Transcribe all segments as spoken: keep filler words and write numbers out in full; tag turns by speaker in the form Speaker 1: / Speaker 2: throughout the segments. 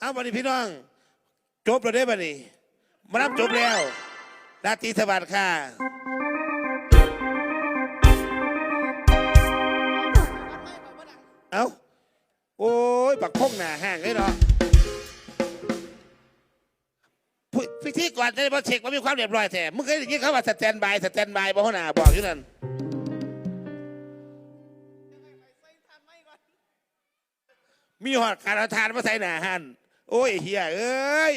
Speaker 1: เอาบัดนี้พี่น้องจบแล้วได้บัดนี้มารับจบแล้วราตรีสวัสดิ์ค่ะเอาโอ้ยปักพงหนาห่างเลยเนาะพิธีก่อนจะมาเช็คว่ามีความเรียบร้อยแท้มึงเคยได้ยินเขาว่าสแตนบายสแตนบายบ่หัวหน้าบอกอยู่นั่นมีหอดการเอาทานมาใส่หนาหันโอ้ยเฮียเอ้ย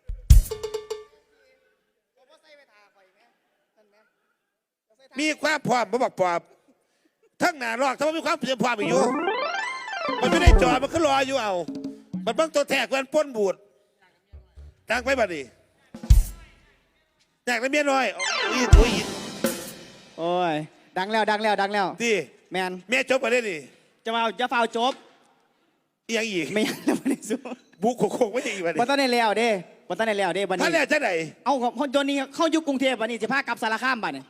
Speaker 1: มีความพร้อมมาบอกปอบทั้งหนาลอกทั้งมีความเพียรพร้อมอยู่มันไม่ได้จอดมันก็รออยู่เอามันเบิ่งตัวแทกมันป้นบูดตั้งไปบัดนี้แตกแล้วเมียน้อยโอ้ยโอ้ย
Speaker 2: โอ้ยดังแล้วดังแล้วดังแล้ว
Speaker 1: ดี
Speaker 2: แมน
Speaker 1: เมียจบมาได้ดิ
Speaker 2: จะมาจะฟาวจบ
Speaker 1: ยังอีก
Speaker 2: ไม่ยังแล้วไม่ได้สู้
Speaker 1: บุกโคกไม่ได้อีกบัดนี้
Speaker 2: บัตรในแล้วเด้บัตรในแล้วเด้บัตรนี้
Speaker 1: ท่านแล้วจะไหน
Speaker 2: เอาคนโยนี่เข้ายุคกรุงเทพบัตรนี้จะพากลับสารคามบัตรเนี่ย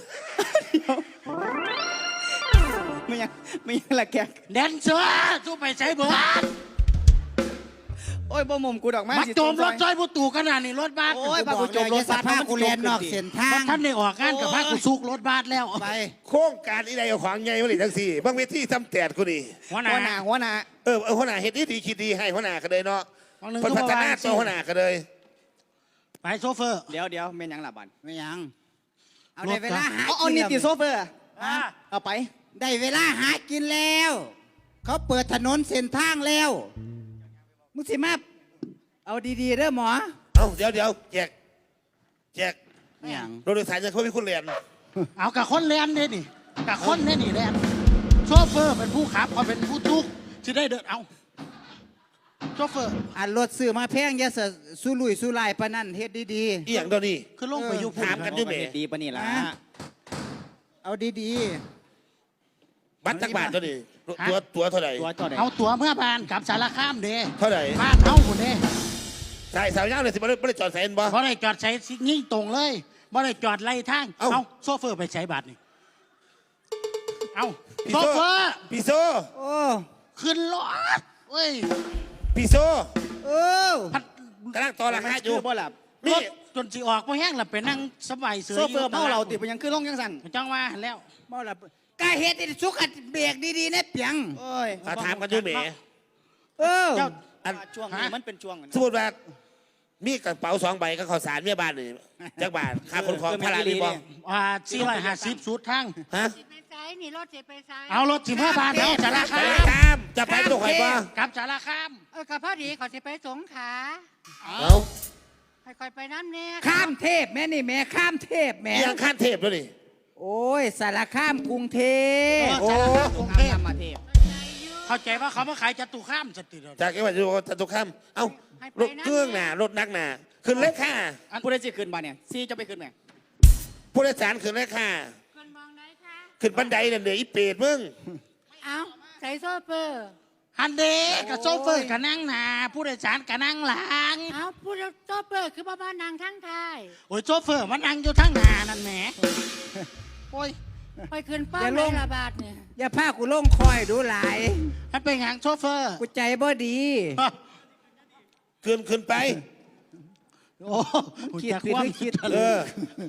Speaker 2: ไม่ยังไม่ยังละแก
Speaker 3: แดนเซอร์สู้ไปใช้เบิร์ด
Speaker 2: โอ้ยบ่มุมกูดอกไม้
Speaker 3: มาโจมรถจอยผู้ตู่ขนาดนี้รถบัส
Speaker 2: โอ้ยมากูโจมรถบัส
Speaker 4: พากูแลนนอกเส้นทาง
Speaker 3: ท่านได้ออกงานกับพากูซุกรถบัสแล้ว
Speaker 4: ไป
Speaker 1: โครงการอีใดเอาของไงมาเลยทั้งสี่บางเวทีทำแตดกูนี่
Speaker 3: หัวห
Speaker 2: หัวห
Speaker 3: น้า
Speaker 2: น้าหัวหน้า
Speaker 1: เออเออหัวหน้าเฮ็ดดีดีคิดดีให้หัวหน้ากันเลยเนาะพัฒนาตัวหัวหน้ากันเลย
Speaker 3: ไปโซเฟอร์
Speaker 2: เดี๋ยวเดี๋ยวเมนยังหลับบัน
Speaker 4: ไม่ยังเอาได้เวลาหา
Speaker 2: เอาเอานิติโซเฟอร์เอาไป
Speaker 4: ได้เวลาหากินแล้วเขาเปิดถนนเส้นทางแล้วมุสิมาเอาดีๆเด้อหมอ
Speaker 1: เอาเดี๋ยวเดี๋ยวแจกแจก
Speaker 4: อย่าง
Speaker 1: รถโดยสารจะเขาเป็นคนเรียน
Speaker 3: เอากับคนเรียนเนี่ยนี่กับคนเนี่ยนี่เรียนโชเฟอร์เป็นผู้ขับเขาเป็นผู้ทุกที่ได้เดินเอาโชเฟอร์
Speaker 4: อันรถซื้อมาแพงอย่าเสสู้ลุยสู้ลายปะนั่นเฮ็ดดี
Speaker 1: ๆอีอย่างเดี๋ยวนี้
Speaker 3: คือลงไปอยู่
Speaker 1: ถามกันด้วยเม
Speaker 2: ดีปะนี่ล่ะ
Speaker 4: เอาดี
Speaker 1: ๆบัตรจักบาทเท่านี้ตัวตัวเท่าไหร่
Speaker 3: เอาตัวเมื่อบานกับสารคามเด้
Speaker 1: เท่าไหร่
Speaker 3: บ้านเขาคนเด้
Speaker 1: ใช่สาวยาวเลยสิไม่ได้ไม่ได้จอดใส่เอ็นบ่
Speaker 3: ไม่ได้จอดใส่ยิ่งตรงเลยไม่ได้จอดไล่ทางเอาโซเฟอร์ไปใช้บัตรนี่เอาโซเฟอร์
Speaker 1: พี่โซ
Speaker 4: โอ้
Speaker 3: ขึ้นรถเว้ย
Speaker 1: พี่โซ
Speaker 4: โอ้
Speaker 1: กำลังต่อราคาอยู่
Speaker 2: บ่หลับ
Speaker 3: รถจนสีออกมาแห้งหลับไปนั่งสบายเสือ
Speaker 2: โซเฟอร์เมาเราติดไปยังขึ้นลงยังสั่น
Speaker 3: จังว่าแล้ว
Speaker 4: เมาหลับกาเฮ็ดสุขัดเบรกดีๆนะเปียง
Speaker 2: โอ้ย
Speaker 1: ถามกันด้วยเมย์
Speaker 4: เออ
Speaker 2: ช่วงนี้มันเป็นช่วง
Speaker 1: สมมติว่ามีกระเป๋าสองใบก็ข้าวสารเมียบ้านเลยจักบาทค่าคนของพาราดีบ่
Speaker 3: อ่าสี่ร้อยห้าสิบสุดทั้ง
Speaker 1: ฮะ
Speaker 5: นี่รถจะไปซ้าย
Speaker 3: เอารถสิบห้าบาทเอาสารค
Speaker 1: าม จะไปตรงไหนบ้าง
Speaker 3: กับสารคาม
Speaker 5: เออกับพอดีขอจะไปสงขลา
Speaker 1: เอา
Speaker 5: ค่อยๆไปน้ำเนี่ย
Speaker 4: ข้ามเทพแม่นี่แม่ข้ามเทพแม่
Speaker 1: ยังข้ามเทพด้วยนี่
Speaker 4: โอ้ยสารข้ามกรุงเทพ
Speaker 3: โอ้กรุงเทพมาเทพเข้าใจว่าเขามาขายจตุข้ามสติเลย
Speaker 1: จากไอ้ว่าจตุข้ามเอ้ารถเครื่องหนารถนักหนาขึ้นเลขค่า
Speaker 2: ผู้ใดจะขึ้นบ้านเนี่ยซีจะไปขึ้นไหม
Speaker 1: ผู้โดยสารขึ้นเลขค่า
Speaker 5: ขึ้นมองไหนคะ
Speaker 1: ขึ้นบันไดเนี่ยเดี๋ยวอีเปรตมึง
Speaker 5: เอาใส่โซเฟอร์
Speaker 3: ฮันเดกับโซเฟอร์กับนั่งหนาผู้โดยสารกับนั่งหลัง
Speaker 5: เอาผู้โซเฟอร์คือบ้านนางทั้งไทย
Speaker 3: โอ้ยโซเฟอร์มันนั่งอยู่ทั้งหนานั่นแหมโอ้ย
Speaker 5: ไปขึ้นป้อมในระบาดเนี่ย
Speaker 4: อย่าพากูลงคอยดูหลาย
Speaker 3: ให้เป็นหางโซเฟอร์
Speaker 4: กูใจบ่ดี
Speaker 1: ขึ้นขึ้นไป
Speaker 3: โอ้
Speaker 4: คิดคิดคิด
Speaker 1: เออ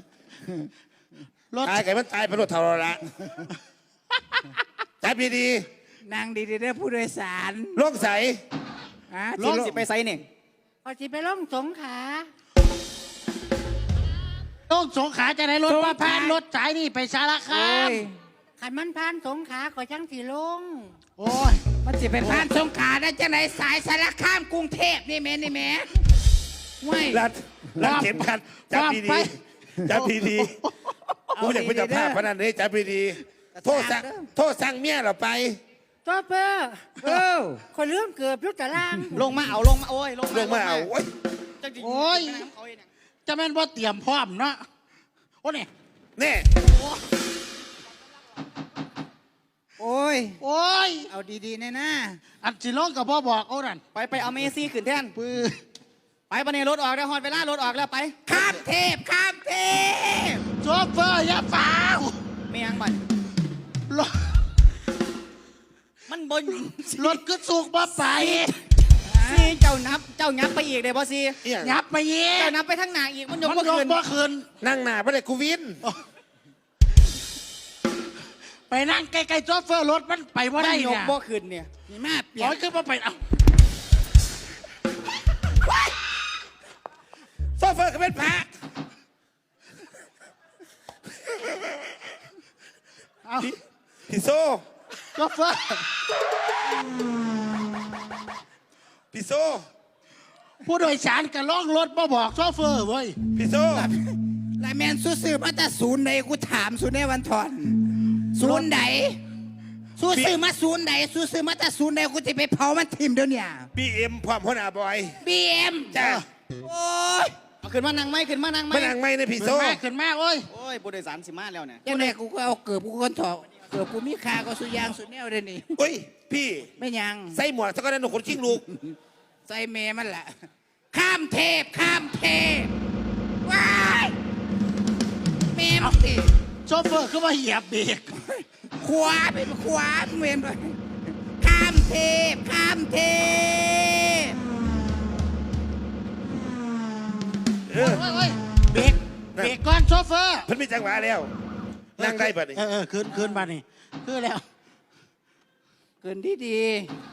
Speaker 1: ตายไก่มันตายไปรถเท่าไรละจับดี
Speaker 4: ๆนางดีๆได้ผู้โดยสาร
Speaker 1: ล่องใส
Speaker 2: ล่องสิไปไซเนี่ย
Speaker 5: พอสิไปล่องสงขา
Speaker 3: ล่องสงขาจะได้รถว่าผ่านรถสายนี่ไปสารคาม
Speaker 5: ขันมันผ่านสงขาขอจังสีลง
Speaker 3: โอ้ย
Speaker 4: มันจะไปผ่านสงขาได้จังไหนสายสารคามกรุงเทพนี่แม่นี่แม่
Speaker 1: ไม่รัดรัดเข็มขัดจับดีๆจับดีๆกูอยากเป็นเจ้าภาพพนันนี้จับดีๆโทษสั่งโทษสั่งเมียเราไป
Speaker 5: โซเฟอร์เออคนเรื่องเกือบยุติล่าง
Speaker 2: ลงมาเอาลงมาโอ้ย
Speaker 1: ลงมาเอาโอ้ย
Speaker 3: โอ้ยจะแม่นว่าเตรียมพร้อมเนาะโอ้เนี่ย
Speaker 1: เนี่ย
Speaker 4: โอ้ย
Speaker 3: โอ้ย
Speaker 4: เอาดีๆแน่นะ
Speaker 3: อันสิลงกับพ่อบอกเอาดัน
Speaker 2: ไปไปเอาเมซี่ขึ้นแท่นปือไปปะเนี่ยรถออกได้ฮอดเวลารถออกแล้วไป
Speaker 4: ข้ามเทพข้ามเทพ
Speaker 3: โชเฟอร์อย่าฝ่า
Speaker 2: ไม่ยังบัน
Speaker 3: รถ
Speaker 2: มันบน
Speaker 3: รถก็สุกมาไป
Speaker 2: ซีเจ้านับเจ้านับไปอีกเลยบอซี
Speaker 1: เอียง
Speaker 3: ยับไปเย่
Speaker 2: เจ้านับไปทั้งหนาอีกมันยก
Speaker 3: มัน
Speaker 2: บ่
Speaker 3: ยก
Speaker 2: ขึ้น
Speaker 3: บ่คืน
Speaker 1: นั่งหน้าไม่ได้กูวิน
Speaker 3: ไปนั่งใกล้ๆโซเฟอร์รถมันไปว่า
Speaker 2: มัน
Speaker 3: ได้
Speaker 2: ย
Speaker 3: เนี่
Speaker 2: ก
Speaker 3: ย
Speaker 2: บ่ขึ้นเนี่ย
Speaker 4: นี่มาเปลี่ย
Speaker 3: ร้
Speaker 4: น
Speaker 3: อยคือมาไปเอา
Speaker 1: โซเฟอร์ก็เป็นพระ
Speaker 3: เอา
Speaker 1: พี่โซ
Speaker 3: โซเฟอร์
Speaker 1: พี่โซ
Speaker 3: ผู้โดยสารก็ล่องรถมาบอกโซเฟอร์เว้ย
Speaker 1: พี่โซ
Speaker 4: ลายแมนสู้ซื้อมาแต่ศูนย์ใดกูถามศูนย์ในวันทอนศูนย์ใดสู้ซื้อมาศูนย์ใดสู้ซื้อมาแต่ศูนย์ใดกูจะไปเผามันทิมเดี๋ยวเนี้
Speaker 1: บีเอ็มพร้อมหัวหน้าบอย
Speaker 4: บีเอ็ม
Speaker 1: จ้า
Speaker 4: โอ้ย
Speaker 2: เอาขึ้นมานั่งไหมขึ้นมานั่งไหม
Speaker 1: มานั่งไม่ในพี่โซ
Speaker 3: ขึ้นมาขึ้นมาโอ้ย
Speaker 2: โอ้ยผู้โดยสารสิมาแล้วเนี่ย
Speaker 4: ยังไงกูก็เอาเกือบกูคนถอดเกือบกูมีคาก็สุยางสุดแนวเลยนี่
Speaker 1: อุ้ยพี่
Speaker 4: ไม่ยัง
Speaker 1: ใส่หมวกสักกันหนุ่มคนชิงลูก
Speaker 4: ใส่เมมันแหละข้ามเทพข้ามเทพว้ายเมมันสิ
Speaker 3: โซเฟอร์คือมาเหยียบเบรก
Speaker 4: ขวาเป็นขวาเมนไปข้ามเทพข้ามเทพ
Speaker 1: เออ
Speaker 3: โอ้ยโอ้ยเบรกเบรกก่อนโซเฟอร์
Speaker 1: เพิ่นมีจังหวะแล้ว นั่งได้ปะนี่
Speaker 3: เออเออคืนคืนมานี่คือแล้ว
Speaker 4: เกินที่ดี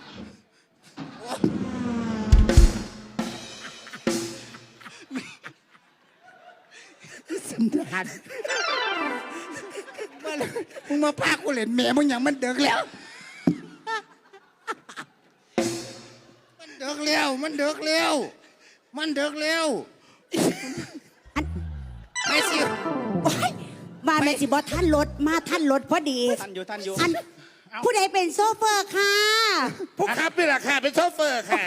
Speaker 4: สันดานมึงมาพากูเล่นแม่มึงอย่างมันเดือกแล้ว มันเดือกแล้ว มันเดือกแล้ว มันเดือกแล้วไปสิ
Speaker 6: โอ๊ยมาแม่สิบอท่านรถมาท่านรถพอดี
Speaker 2: ท่านอยู่ท่านอยู่
Speaker 6: อันผู้ใดเป็นโซเฟอร์ค่ะ
Speaker 1: ผู้ขับนี่แหละค่ะ เป็นโชเฟอร์ค่ะ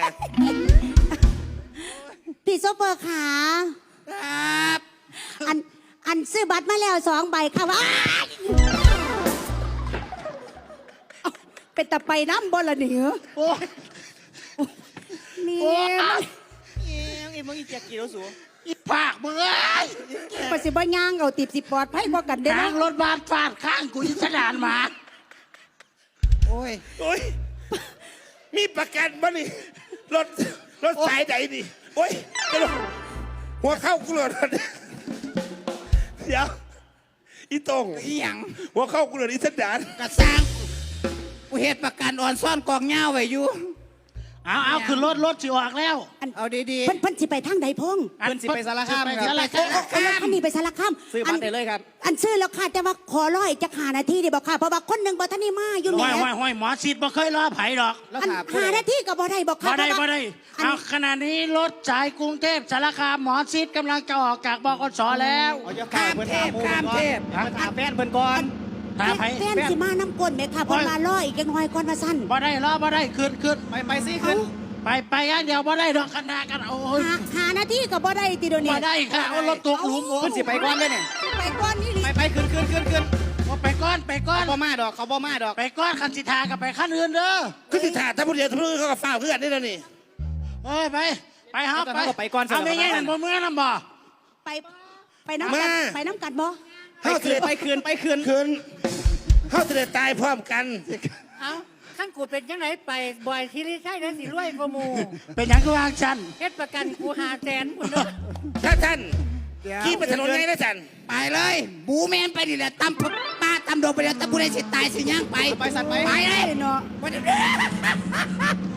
Speaker 6: พี่โซเฟอร์ค่ะ
Speaker 4: ครับ
Speaker 6: อันอันซื้อบัตรมาแล้วสองใบค่ะว่าอ้ายเอ้าเป็นตะไปน้ำบอละเหนือ
Speaker 3: โอ้ย
Speaker 6: นี่
Speaker 3: โอ้ย
Speaker 2: เอ้ยไอ้มึงอีเจียกี่แล้วสู
Speaker 3: อีปากมึงเอ้ย
Speaker 6: ปสิบ่ย่างเอาติบสิปลอดภัยกว่ากันเด้อ
Speaker 3: ทาง
Speaker 6: นะ
Speaker 3: รถบัสฟาดข้างกูยิสดานมา
Speaker 4: โอ้ย
Speaker 1: โอ้ย มีประกันบ่นี่ รถ รถสายไหนนี่ โอ้ยเดี๋ยวหัวเข้ากูเลยเดี๋ยว อีตรง
Speaker 4: อีหยัง
Speaker 1: หัวเข้ากูเลยอีสันดาน
Speaker 4: กระสร้างกูเหตุประกันอ่อนซ่อนกองเงาไว้อยู่
Speaker 3: เอาเอาขึ้นรถรถสิออกแล้ว
Speaker 4: เอาดี
Speaker 6: เพิ่นเพิ่นสิไปทางใดพง
Speaker 2: เพิ่นสิไปสารคาม
Speaker 3: ไป
Speaker 2: ค
Speaker 3: สา
Speaker 2: รับ
Speaker 3: รคาม
Speaker 6: เอารถคันนี้ไปสารคาม
Speaker 2: ซื้อบัตรได้เลยครับ
Speaker 6: อันซื้อแล้วค่ะแต่ว่าขอร้อยจะหานาทีเดียวบอกค่ะเพราะว่าคนหนึ่งบ่ทันได้มาอยู่แห
Speaker 3: ห้อยห้
Speaker 6: ม่
Speaker 3: อยห้อยหมอชิดบ่เคยรอไผดอก
Speaker 2: แล้ว
Speaker 6: อัน
Speaker 2: ถามผู้
Speaker 6: หา
Speaker 2: ใด
Speaker 6: นาทีก็บ่ได้บอกค่ะ
Speaker 3: บ่ได้
Speaker 6: เพ
Speaker 3: บ่
Speaker 6: ราะว่า
Speaker 3: ได้
Speaker 6: อัน
Speaker 3: เอาขณะนี้รถสายกรุงเทพสารคามหมอชิดกำลังจะออกจากบกสแล้ว
Speaker 2: เอาจะข้ามเพิ่นถามหมู่เพิ่นก่อนเพิ่นถามแฟนเพิ่นก่อน
Speaker 3: ถามไผ
Speaker 6: แฟนสิมาน้ำก้นไหมค่ะเพราะว่าร้อยอีกจังหน่อยก่อนว่าสั้น
Speaker 3: บ่ได้รอบ่ได้ขึ้นขึ้น
Speaker 2: ไปไปสิขึ้น
Speaker 3: ไปไปอันเดียวบ่ได้ดอกคณะกันโอ้ย
Speaker 6: หาหานาทีก็บ่ได้ติโดยวนี่
Speaker 3: บ่ได้ค่ะเอารถตกหลุมโอ้
Speaker 2: เพิ่นสิไปก่อนเด้อเนี่ย
Speaker 6: ไปก่อนนี่ลิ
Speaker 2: ไปไปขึ้นขึ้นขึ้นขึ้น
Speaker 3: เอาไปก้อนไปก้อน
Speaker 2: เขาบ่มาดอกเขาบ่มาดอก
Speaker 3: ไปก้อนคันสิทากับไปขั้นอื่นเด้อ
Speaker 1: คือสิถ่าถ้าผู้เดียวถ้าผู้อื่นเขาก็ฝ้าวเพื่อนนี่แล้วนี่
Speaker 3: เอ้ยไปไปฮะ
Speaker 2: เอาแต่เขาก็ไปก่อนสิ
Speaker 3: เอาไม่แย่งกันบ่เมื่อนํบ่
Speaker 6: ไปไปน้ำกั
Speaker 1: มา
Speaker 6: นไปน้ำกันบ่
Speaker 2: ไปขึ้นไปขึ้นไปขึ้น
Speaker 1: คืนเขาจะได้ตายพร้อมกัน
Speaker 5: เอาขั้นกูเป็นยังไงไปบ่อยทีนี้ใช่นะสิรวยกว่าหมู
Speaker 3: เป็นหยังคือวางฉัน
Speaker 5: เฮ็ดประกันกูหาแสนคุณเนาะ
Speaker 1: ถ้าท่านขี่ไปถนนไงนะจัน
Speaker 4: ๆ ไปเลย บูแมนไปดิแหละตำป้าตำโดงไปแล้วตะกูได้สิตายสิย่างไป
Speaker 2: ไปสัตว์ไป
Speaker 4: ไปเลย
Speaker 6: เนาะ
Speaker 4: ไปเดี๋ยว